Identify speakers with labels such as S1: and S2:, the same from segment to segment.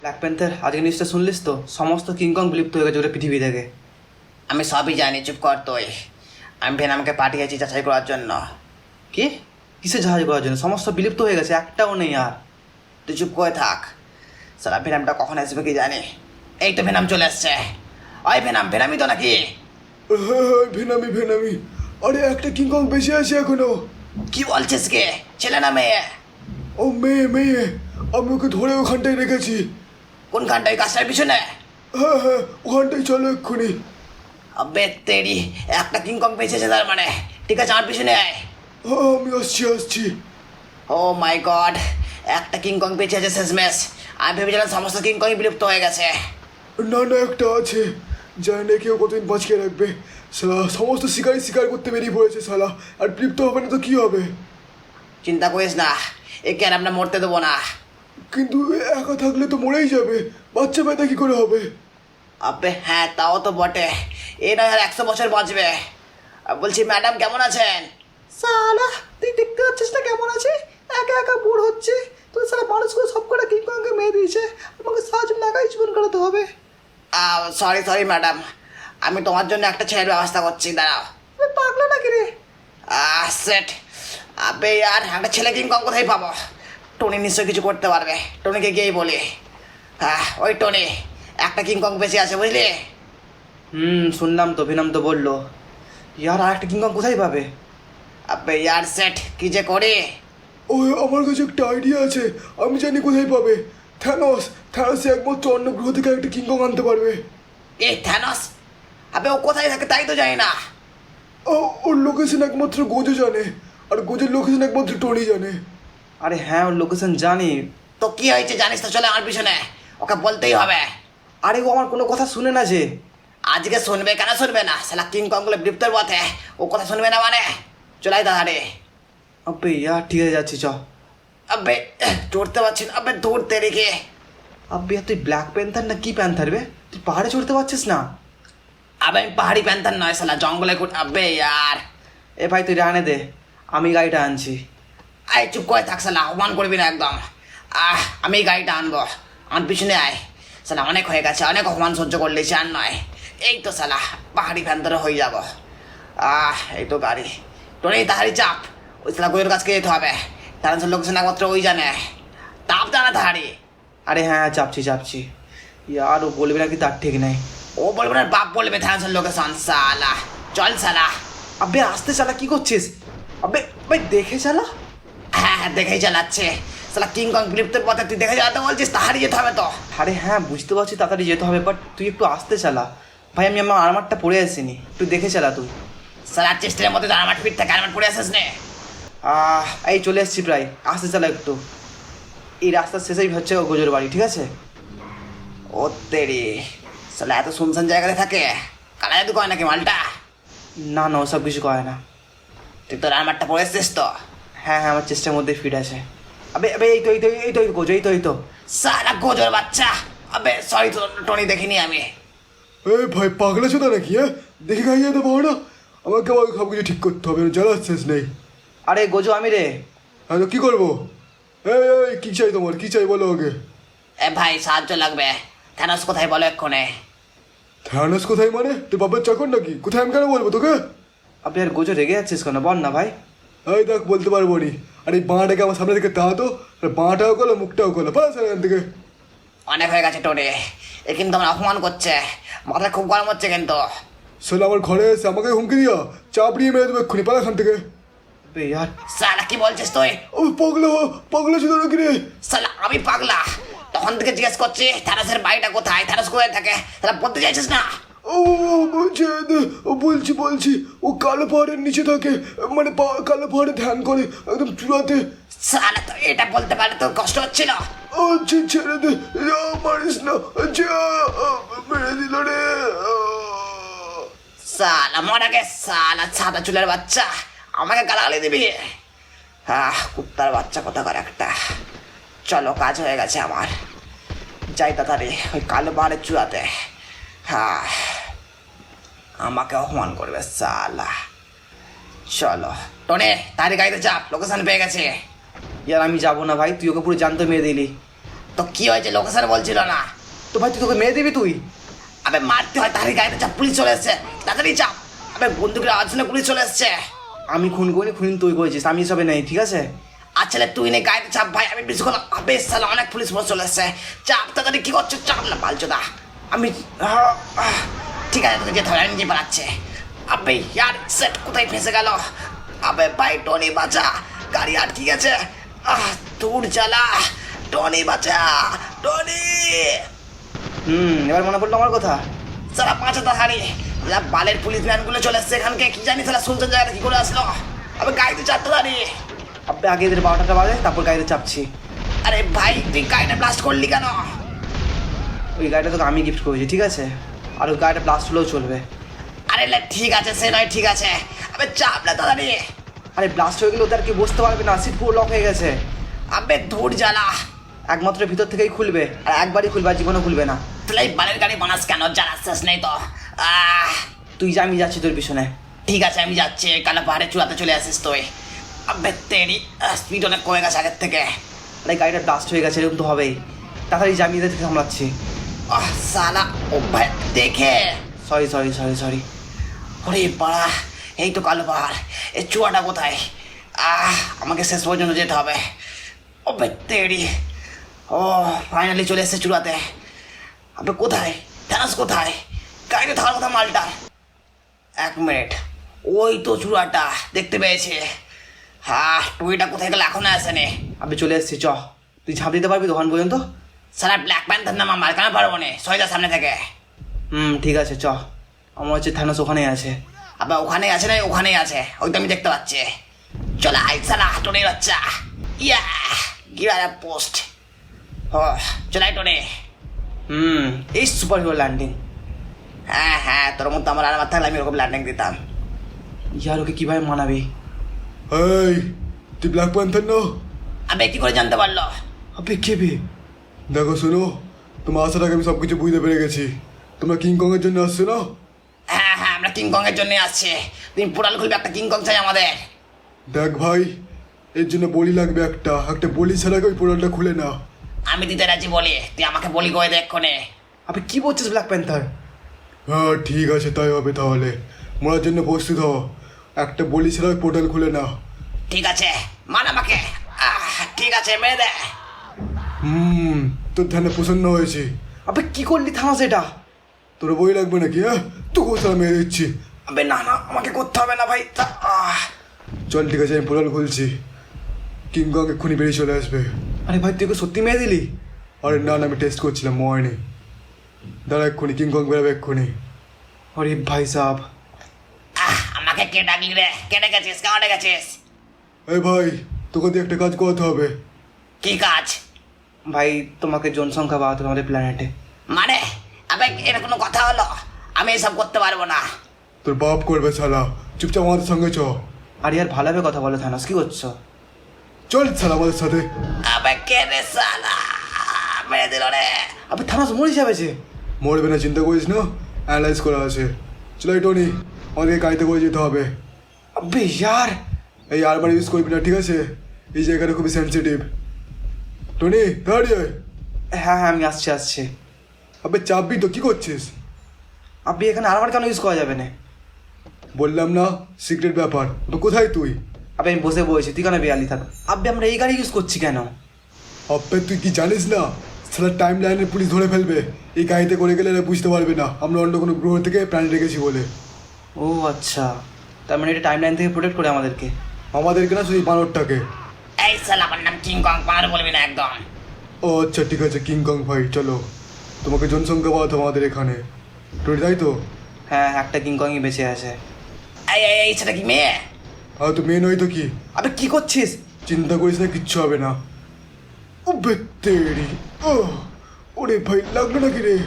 S1: Black panther আজকে নিউজটা শুনলিস তো? সমস্ত কিংকং বিলুপ্ত হয়ে গেছে ওটা পৃথিবী থেকে।
S2: আমি সবই জানি, চুপ কর তুই। আমি ভেনামকে পাঠিয়েছি যাচাই করার জন্য।
S1: কি? কিসে জাহাজ করার জন্য? সমস্ত বিলুপ্ত হয়ে গেছে, একটাও নেই আর।
S2: তুই চুপ করে থাক। সারা ভেনামটা কখন আসবে কি জানি। এই তো ভেনাম চলে আসছে। ওই ভেনাম, ভেনামই তো নাকি?
S3: হ্যাঁ, ভেনামি ভেনামি। আরে একটা কিংকং বেঁচে আছে এখনো।
S2: কি বলছিস কে? ছেলে না মেয়ে?
S3: ও মেয়ে মেয়ে, আমি ওকে ধরে ওখানটায় রেখেছি।
S2: কোনখানটা? ওই গাছটার পিছনে?
S3: হ্যাঁ হ্যাঁ, ওখানটায় চলো এক্ষুনি।
S2: আবে তেরি, একটা কিংকং বেঁচেছে তার মানে। ঠিক আছে, আমার পিছনে আয়।
S3: হ্যাঁ, আমি আসছি আসছি।
S2: ও মাই গড, একটা কিংকং বেঁচে আছে শেষমেশ। আমি ভেবেছিলাম সমস্ত কিংকংই বিলুপ্ত হয়ে গেছে।
S3: না না, একটা আছে। জানি না কেউ কতদিন বাঁচিয়ে রাখবে। শালা সমস্ত শিকারি শিকার করতে বেরিয়ে পড়েছে শালা। আর তৃপ্ত হবে না তো কি হবে?
S2: চিন্তা করিস না, একে আর আমরা মরতে দেবো না।
S3: কিন্তু একা থাকলে তো মরেই যাবে। বাচ্চা পেতে কি করে হবে?
S2: আবে হ্যাঁ, তাও তো বটে। এ নয় আর 100 বছর বাঁচবে। বলছি ম্যাডাম কেমন আছেন?
S1: সালা, তুই দেখতে পাচ্ছিস না কেমন আছে? একা একা বোর হচ্ছে। তুই সালা মানুষগুলো সব কটা কিংকংকে মেরে দিয়েছে। আমাকে সাহায্য লাগাই জীবন কাটাতে হবে।
S2: সরি সরি ম্যাডাম, আমি তোমার জন্য একটা ছেলের ব্যবস্থা করছি, দাঁড়াও।
S1: পাগলা নাকি রে?
S2: সেট। আবে আর একটা ছেলে কিংকং কোথায় পাবো? টনি নিশ্চয়ই কিছু করতে পারবে। টনিকে গিয়েই বলি। ওই টনি, একটা কিংকং বেঁচে আছে বুঝলি?
S1: শুনলাম তো, ভেনাম তো বললো। ইয়ার আর একটা কিংকং কোথায় পাবে?
S2: আবে ইয়ার সেট, কি যে করি।
S3: ওই আমার কাছে একটা আইডিয়া আছে। আমি জানি কোথায় পাবে। থ্যানোস। থ্যানোস একমাত্র অন্য গ্রহ থেকে একটা কিংকং আনতে পারবে।
S2: এ থ্যানস? আবে ও কোথায় থাকে তাই তো জানি না।
S3: ওর লোকেশন একমাত্র গোজো জানে। আর গোজোর লোকেশন একমাত্র টনি জানে।
S1: আরে হ্যাঁ, ওর লোকেশন জানি।
S2: তো কি হয়েছে জানিস তো, চলে আমার পিছনে। ওকে বলতেই হবে।
S1: আরে ও আমার কোনো কথা শুনে না যে।
S2: আজকে শুনবে, কেন শুনবে না? শালা কিংকং গুলো বিলুপ্তের পথে, ও কথা শুনবে না মানে? চলাই তাড়াতাড়ি।
S1: আবে ইয়ার ঠিক আছে, যাচ্ছি চ।
S2: আবে চড়তে পারছি না, আবে দৌড়তে রেখে।
S1: আবে ইয়ার তুই ব্ল্যাক প্যান্থার না কি প্যান্থার বে? তুই পাহাড়ে চড়তে পারছিস না?
S2: আবে আমি পাহাড়ি প্যান্থার নয় শালা, জঙ্গলে আবে ইয়ার।
S1: এ ভাই তুই রানে দে, আমি গাড়িটা আনছি।
S2: আয় চুপ করে থাক শালা, অপমান করবি না একদম। আমি এই গাড়িটা আনবো, আমার পিছনে আয়। শালা অনেক হয়ে গেছে, অনেক অপমান সহ্য করলে আর নয়। এই তো শালা পাহাড়ি প্যান্থারে হয়ে যাব। এই তো গাড়ি। টনি তাহারি চাপ, ওই শালা গোয়ের কাছকে যেতে হবে। তার লোকেশন একমাত্র ওই জানে। তাপ জানা তাহারি।
S1: আরে হ্যাঁ হ্যাঁ, চাপছি চাপছি। ইয়ার ও বলবে নাকি তার ঠিক নেই।
S2: ও বলবে না, বাপ বলবে থানার লোকেশন। শালা চল শালা।
S1: আবে আসতে চালা, কি করছিস? আবে ভাই দেখে চালা।
S2: হ্যাঁ হ্যাঁ, দেখেই চালাচ্ছে। শালা কিংকং বিলুপ্তের পথে তুই দেখে চালাতে বলছিস, তাহারি যেতে হবে তো।
S1: আরে হ্যাঁ বুঝতে পারছি তাড়াতাড়ি যেতে হবে, বাট তুই একটু আসতে চালা। ভাই আমি আমার আর্মারটা পরে আসিনি, একটু দেখে চালা তুই।
S2: শালা চেষ্টার মধ্যে তো আরমাট ফিট থাকে, আরমাট পড়ে আসিস নে।
S1: এই চলে এসেছি প্রায়, আসতে চালা একটু। এই রাস্তার শেষেই হচ্ছে ও গোজোর বাড়ি, ঠিক আছে?
S2: ও তেরি, শালা এত শুনশান জায়গাতে থাকে? কালা জাদু কয় নাকি মালটা?
S1: না না, ওসব কিছু করে না।
S2: তুই তোর আরমাটটা পরে এসছিস তো?
S1: হ্যাঁ হ্যাঁ, আমার চেষ্টার মধ্যে ফিট আছে। আবে আবে এই তো এই তো এই তো গোজো, এই তো এই তো।
S2: শালা গোজর বাচ্চা। আবে সরি তো টনি, দেখিনি আমি।
S3: এই ভাই পাগলা চোদা নাকি? হ্যাঁ, দেখে খাইয়ে যেতে পারো না? আমাকে আমার সব কিছু ঠিক করতে হবে, জ্বালার শেষ নেই।
S1: আরে গোজো আমি রে।
S3: হ্যাঁ, তো কী করবো? এই এই কী চাই তোমার? কী চাই বলো ওকে।
S2: এ ভাই সাহায্য লাগবে। থ্যানোস কোথায় বলো এক্ষণে।
S3: থ্যানোস কোথায় মানে? তুই বাবার চাকর নাকি? কোথায় আমি কেন বলবো তোকে?
S1: আপনি আর গোজো রেগে যাচ্ছিস কেন? বল না ভাই।
S3: এই দেখ, বলতে পারবো নি। আর এই বাঁটাকে আমার সামনে থেকে তাহাতো, আর বাঁটাও করলো মুখটাও করলো, পাস এখান থেকে।
S2: অনেক হয়ে গেছে টনি, এ কিন্তু আমার অপমান করছে। মাথা খুব গরম হচ্ছে কিন্তু।
S3: শোন, আমার ঘরে এসে আমাকে হুমকি দিয়া চাপড়িয়ে মেরে দেবো এক্ষুনি, পালা এখান থেকে।
S1: আবে ইয়ার
S2: শালা কি বলছিস তুই?
S3: ও পাগলা, পাগলা ছিল নাকি রে?
S2: শালা আমি পাগলা? তখন থেকে জিজ্ঞেস করছি থ্যানোসের বাড়িটা কোথায়, থ্যানোস কোথায় থাকে, তাহলে বলতে চাইছিস না?
S3: ও বলছে, ও বলছি বলছি, ও কালো পাহাড়ের নিচে থাকে। মানে কালো পাহাড়ে ধ্যান করে একদম চূড়াতে।
S2: শালা তো এটা বলতে পারলে তোর কষ্ট হচ্ছিল?
S3: ও ছেড়ে দে, মারিস না। মেরে দিল রে।
S2: শালা মরা গে, শালা সাদা চুলের বাচ্চা, আমাকে গালাগালি দিবি? কুত্তার বাচ্চা কোথাকার একটা। চলো, কাজ হয়ে গেছে আমার। যাই তাড়াতাড়ি ওই কালো পাহাড়ের চূড়াতে। আমাকে অপমান করবে শালা। চলো টনে, তাড়ি গাড়িতে চাপ, লোকেশন পেয়ে গেছে।
S1: ইয়ার আমি যাবো না ভাই, তুই ওকে পুরো জানতে মেরে দিলি।
S2: তো কি হয়েছে লোকেশন বলছিল না?
S1: তো ভাই তুই তোকে মেরে দিবি তুই?
S2: আবে মারতে হয় তাড়াতাড়ি গাড়িতে চাপ, পুলিশ চলে এসছে, তাড়াতাড়ি চাপ। আবে বন্দুকের আওয়াজ শুনে পুলিশ চলে এসছে।
S1: আমি খুন করিনি, খুন তুই করেছিস, আমি এসবে নেই, ঠিক আছে?
S2: আচ্ছা তুই নেই গাড়িতে চাপ ভাই, আমি বেশিক্ষণ আবে সালা অনেক পুলিশ ফোর্স চলে এসছে, চাপ তাড়াতাড়ি। কি করছো? চাপ না বালচোদা।
S1: আমি
S2: ঠিক আছে তোকে যেতে হবে, আমি নিজে পালাচ্ছে। আবে ইয়ার সেট কোথায় ফেসে গেল? আবে ভাই টনি বাঁচা, গাড়ি আটকে গেছে। দূর চালা, টনি বাঁচা, টনি।
S1: এবার মনে পড়লো আমার কথা।
S2: সারা বাঁচা তাহারি, বালের পুলিশ ভ্যানগুলো চলে এসছে এখানকে, কি জানি তারা শুনছেন জায়গাটা কি করে আসলো। আবে গাড়িতে চাপতে পারি।
S1: আপনি আগে এদের 12টা বাজে, তারপর গাড়িতে চাপছি।
S2: আরে ভাই তুই গাড়িটা ব্লাস্ট করলি কেন?
S1: ওই গাড়িটা তোকে আমি গিফট করেছি, ঠিক আছে? আর ওই গাড়িটা ব্লাস্ট হলেও চলবে।
S2: আরে ঠিক আছে, সে নয় ঠিক আছে। আবে চাপ না তাড়াতাড়ি।
S1: আরে ব্লাস্ট হয়ে গেলে ওদের আর কি বসতে পারবে না, সিট পুরো লক হয়ে গেছে।
S2: আবে ধূর জ্বালা।
S1: একমাত্র ভিতর থেকেই খুলবে, আর একবারই খুলবে, আর জীবনে খুলবে না।
S2: তাহলে এই বালের গাড়ি বানাস কেন? জ্বালা শেষ নেই তো।
S1: তুই যা, আমি যাচ্ছি তোর পিছনে।
S2: ঠিক আছে আমি যাচ্ছি, কালো পাহাড়ে চূড়াতে চলে আসিস তুই। আবে তেরি স্পিড অনেক কমে গেছে আগের থেকে।
S1: আরে গাড়িটা ব্লাস্ট হয়ে গেছে, এরকম তো হবেই। তাড়াতাড়ি যা, আমি এদের থেকে সামলাচ্ছি।
S2: সালা ও ভাই দেখে।
S1: Sorry sorry sorry sorry.
S2: ওরে পাড়া, এই তো কালো পাহাড়, এই চূড়াটা কোথায়? আমাকে শেষ পর্যন্ত যেতে হবে। ও ভাই তেরি, ও ফাইনালি চলে এসেছে চূড়াতে। আবে কোথায় থানাস, কোথায়? গাড়িতে থাকার কথা মালটা। 1 মিনিট, ওই তো চূড়াটা দেখতে পেয়েছে। টুইটা কোথায় গেল, এখনো আসেনি।
S1: আমি চলে এসেছি, চ। তুই ঝাঁপ দিতে পারবি দোকান পর্যন্ত?
S2: সারা ব্ল্যাক প্যান্থার নাম আমার কেন পারবো না, সহিদা সামনে থেকে।
S1: ঠিক আছে, চ। আমার হচ্ছে থানোস ওখানেই আছে।
S2: আবার ওখানেই আছে না, ওখানেই আছে, ওই তো আমি দেখতে পাচ্ছি। চলে আই সালা টোনের বাচ্চা। ইয়া গিয়ার পোস্ট। ও চলে টোনে।
S1: এই সুপার হিরো ল্যান্ডিং।
S2: হ্যাঁ তোর মতো আমার আরামার থাকলে আমি ওরকম ল্যান্ডিং দিতাম।
S1: ইয়ার ওকে কিভাবে মানাবি?
S3: এই তুই ব্ল্যাক প্যান্থার না?
S2: আবে কি করে জানতে পারলো?
S1: আবে কে বে?
S3: দেখো শোনো, তোমার আসার আগে আমি সব কিছু বুঝতে পেরে গেছি। তোমরা কিংকংয়ের জন্য আসছো না?
S2: হ্যাঁ আমরা কিংকং এর জন্য আসছি। তুমি পোর্টাল খুলবে, একটা কিংকং চাই আমাদের।
S3: দেখ ভাই, এর জন্য বলি লাগবে একটা বলি ছাড়া ওই পোর্টালটা খুলে না।
S2: আমি দিতে রাজি বলি, তুই আমাকে বলি করে দেখ কোনে।
S1: আবে কি বলছিস ব্ল্যাক প্যান্থার?
S3: হ্যাঁ ঠিক আছে, তাই হবে তাহলে। মরার জন্য প্রস্তুত হও, একটা বলি ছাড়া ওই পোর্টাল খুলে না।
S2: ঠিক আছে মান আমাকে। ঠিক আছে মেরে দে।
S3: তোর ধ্যানে প্রসন্ন হয়েছি।
S1: আবে কি করলি থানোস এটা?
S3: তোর বই লাগবে নাকি? তোকে সারা মেরে দিচ্ছি।
S2: আবে না আমাকে করতে হবে না ভাই।
S3: চল ঠিক আছে, আমি পোর্টাল খুলছি। কিংকং এক্ষুনি বেরিয়ে চলে আসবে।
S1: আরে ভাই তুই ওকে সত্যি মেরে দিলি?
S3: আরে না আমি টেস্ট করছিলাম, ময়নি। দাঁড়া এক্ষুনি, কিংকং বেরোবে এক্ষুনি।
S1: আরে ভাই সাব,
S2: আমাকে কে ডাকলি রে? কে ডেকেছিস? কেন ডেকেছিস?
S3: এই ভাই, তোকে দিয়ে একটা কাজ করতে হবে।
S2: কি কাজ?
S1: ভাই তোমাকে জনসংখ্যা বাড়াতে হবে আমাদের প্ল্যানেটে।
S2: মানে আবে এটা কোনো কথা হলো? আমি এসব করতে পারবো না।
S3: তোর বাপ করবে শালা, চুপচাপ আমাদের সঙ্গে চ।
S1: আর ইয়ার ভালোভাবে কথা বলো থানোস, কি করছো?
S3: চল শালা আমাদের সাথে।
S2: আবে কে রে সালা, মেরে দিল রে।
S1: আবে থানোস মরে যাবে যে।
S3: মরবে না, চিন্তা করিস না, অ্যানালাইজ করা আছে। চলো এই টনি, আমাদেরকে গাড়িতে করে যেতে হবে।
S1: আবে ইয়ার,
S3: এই আরবার ইউজ করবি না, ঠিক আছে? এই জায়গাটা খুবই সেন্সিটিভ। টনি দাঁড়িয়ে।
S1: হ্যাঁ আমি আসছি।
S3: আবে চাপবি তো, কি করছিস?
S1: আপনি এখানে আরবার কেন ইউজ করা যাবে না?
S3: বললাম না সিক্রেট ব্যাপার। তো কোথায় তুই?
S1: আবে আমি বসে বলছি, তুই কেন বেয়ালি থাক। আবে আমরা এই গাড়ি ইউজ করছি কেন?
S3: আবে তুই কি জানিস না, সারা টাইম লাইনের পুলিশ ধরে ফেলবে। এই গাড়িতে করে গেলে এরা বুঝতে পারবে না আমরা অন্য কোনো গ্রহ থেকে প্রাণী রেখেছি বলে।
S1: ও আচ্ছা, তার মানে এটা টাইম লাইন থেকে প্রোটেক্ট করে আমাদেরকে।
S3: আমাদেরকে না, শুধু বানরটাকে।
S2: এই সালা আমার নাম কিংকং, পার বলবি না একদম।
S3: ও আচ্ছা ঠিক আছে কিংকং ভাই, চলো। তোমাকে জনসংখ্যা বাড়াতে হবে আমাদের এখানে, টনি তাই তো?
S1: হ্যাঁ একটা কিংকংই বেঁচে আছে।
S2: এই সেটা কি মেয়ে?
S3: আর তো মেয়ে নয় তো কি?
S1: আবে কি করছিস?
S3: চিন্তা করিস না, কিচ্ছু হবে না। ও বেতেরি, ওরে ভাই লাগলো নাকি রে?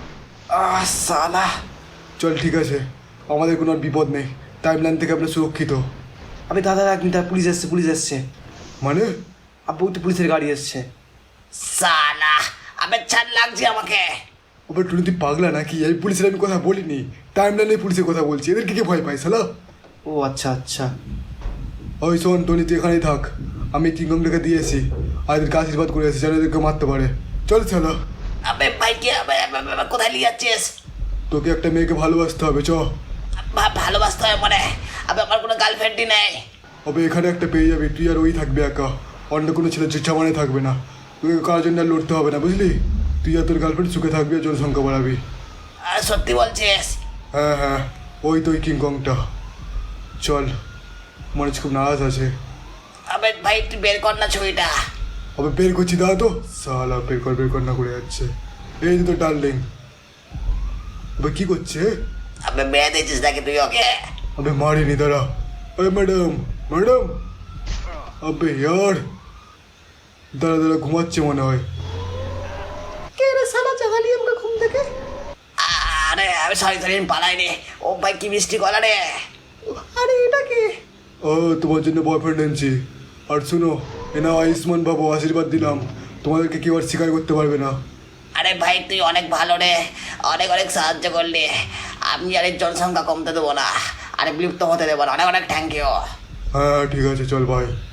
S1: সালা।
S3: চল ঠিক আছে, আমাদের কোনো আর বিপদ নেই, টাইম লাইন থেকে আমরা সুরক্ষিত।
S1: আবে দাদা এক মিনিট, পুলিশ এসছে।
S3: মানে?
S1: আবে ওই তো পুলিশের গাড়ি এসছে।
S2: সালা আবে ছাড় লাগছে আমাকে।
S3: ওবে টুনি তুই পাগলা নাকি? এই পুলিশের আমি কথা বলিনি, টাইম লাইনে পুলিশের কথা বলছি। এদেরকে কে ভয় পাই শালা?
S1: ও আচ্ছা।
S3: ওই শোন টনি, তুই এখানেই থাক। আমি কিংকংটাকে দিয়েছি, আর এদেরকে আশীর্বাদ করে এসেছি যেন এদেরকে মারতে পারে। চল শালা।
S2: আবে ভাই কি কোথায় নিয়ে যাচ্ছিস?
S3: তোকে একটা মেয়েকে ভালোবাসতে হবে চ।
S2: ভালোবাসতে হয় মানে? আবে আমার কোনো গার্লফ্রেন্ডই নেই।
S3: তবে এখানে একটা পেয়ে যাবি, তুই আর ওই থাকবে একা, অন্য কোনো ছেলে জামানে থাকবে না। তোকে কার জন্য আর লড়তে হবে না বুঝলি। তুই আর তোর গার্লফ্রেন্ড সুখে থাকবি আর জনসংখ্যা বাড়াবি।
S2: আর সত্যি বলছিস?
S3: হ্যাঁ হ্যাঁ, ওই তো ওই কিংকংটা। চল, মনে হচ্ছে খুব নারাজ আছে।
S2: আবে ভাই তুই বের কর না ছবিটা।
S3: আবে বের করছি দাঁড়া তো, সালা বের কর না করে যাচ্ছে। এই তো ডার্লিং। আবে কি করছে?
S2: আবে মেয়ে দিয়েছিস নাকি তুই ওকে?
S3: अबे मारी दाड़ा। अरे मैडम मैडम, अबे यार दाड़ा दाड़ा घुमाচ্ছে মনে হয়।
S1: কে রে শালা জাগালি আমাকে ঘুম থেকে?
S2: আরে আমি সরি পালাইনি। ও ভাই কি মিষ্টি গলা রে।
S1: আরে এটা কে?
S3: ও তোমার জন্য বয়ফ্রেন্ড এনেছি। আর শুনো, এনা আয়ুষ্মান বাবু আশীর্বাদ দিলাম, তোমাদেরকে কেউ আর শিকার করতে পারবে না।
S2: আরে ভাই তুই অনেক ভালো রে, অনেক অনেক সাহায্য করলি। আমি আর এর জনসংখ্যা কমতে দেবো না, আরে বিলুপ্ত হতে দেবো না। অনেক অনেক থ্যাংক ইউ।
S3: হ্যাঁ ঠিক আছে চল ভাই।